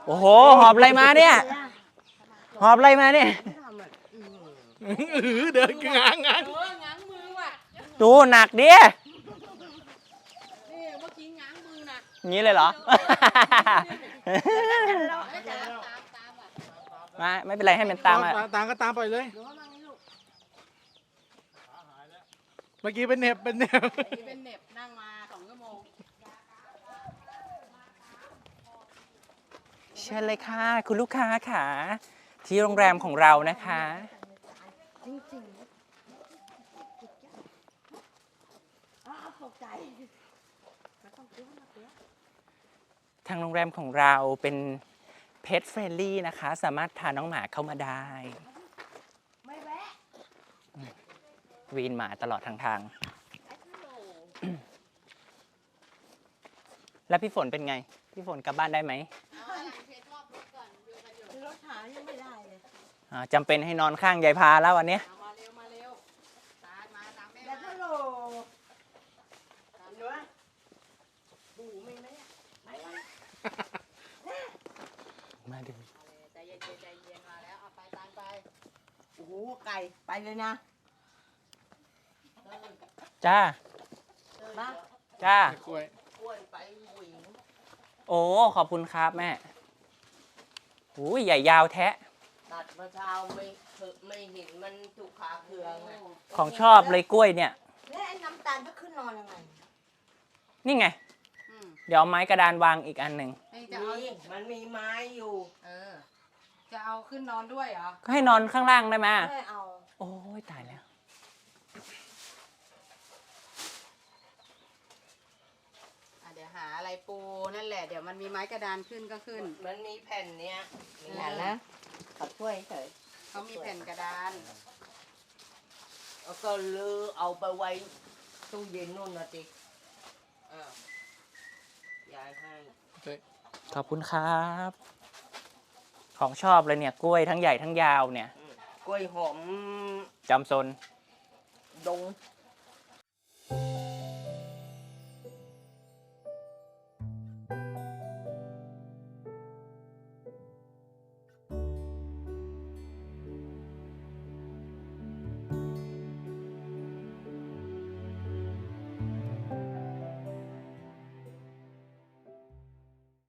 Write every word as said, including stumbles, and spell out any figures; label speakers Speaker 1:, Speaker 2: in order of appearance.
Speaker 1: โอ้โหหอบอะไรมาเนี่ยหอบอะไรมาเนี่ย
Speaker 2: เดินง้างง้าง
Speaker 3: ง้างมือว่ะ
Speaker 1: ดูหนักดิ
Speaker 3: นี่เมื่อกี้ง้างมือนะ
Speaker 1: งี้เลยเหรอมาไม่เป็นไรให้มันตามมา
Speaker 2: ตามก็ตามไปเลยเมื่อกี้เป็นเน็บเป็นเน็บ
Speaker 3: เป็นเน็บนั่งมาสองชั่วโมง
Speaker 1: เชิญเลยค่ะคุณลูกค้าค่ะที่โรงแรมของเรานะคะทางโรงแรมของเราเป็นเพจเฟรนลี่นะคะสามารถพาน้องหมาเข้ามาได้วีนหมาตลอดทางทางแล้วพี่ฝนเป็นไงพี่ฝนกลับบ้านได้ไหม
Speaker 3: รถหายังไม่ได้เลย
Speaker 1: จำเป็นให้นอนข้างยายพาแล้ววันนี้
Speaker 3: มาเร็วมาเร็วตามมาตามแม่
Speaker 4: แล้วก็โหลตามด้วยบูไม่ไหมไปเลย
Speaker 1: มาดู
Speaker 3: ใจเย็นใจเย็นมาแล้วเอาไปตามไป
Speaker 4: โอ้โหไก่ไปเลยนะ
Speaker 1: จ้าจ้า
Speaker 2: กล้วย
Speaker 4: กล้วยไปหวิง
Speaker 1: โอ้ขอบคุณครับแม่โอ้ยใหญ่ยาวแท้
Speaker 4: ตัดมาเช้าไม่ไม่เห็นมันถูกขาเคือง
Speaker 1: ของชอบเลยกล้วยเนี่ย
Speaker 4: แล้วไอ้น้ำตาลก็ขึ้นนอนยังไง
Speaker 1: นี่ไงเดี๋ยวเอาไม้กระดานวางอีกอันหนึ่ง
Speaker 4: มีมันมีไม้อยู่
Speaker 3: เออจะเอาขึ้นนอนด้วยเหรอ
Speaker 1: ก็ให้นอนข้างล่างได้ไหม
Speaker 4: ไม่เอา
Speaker 1: โอ้ยตายแล้ว
Speaker 3: เดี๋ยวหาอะไรปูนั่นแหละเดี๋ยวมันมีไม้กระดานขึ้นก็ขึ้น
Speaker 4: มันมีแผ่นเนี้ยมีแผ่นนะเขาช่วยเฉย
Speaker 3: เขามีแผ่นกระดาน
Speaker 4: แล้วก็ลือเอาไปไว้ตู้เย็นนู่นนะจิอ้าว ยายให้
Speaker 1: ขอบคุณครับของชอบเลยเนี่ยกล้วยทั้งใหญ่ทั้งยาวเนี่ย
Speaker 4: กล้วยหอม
Speaker 1: จำซน
Speaker 4: ดง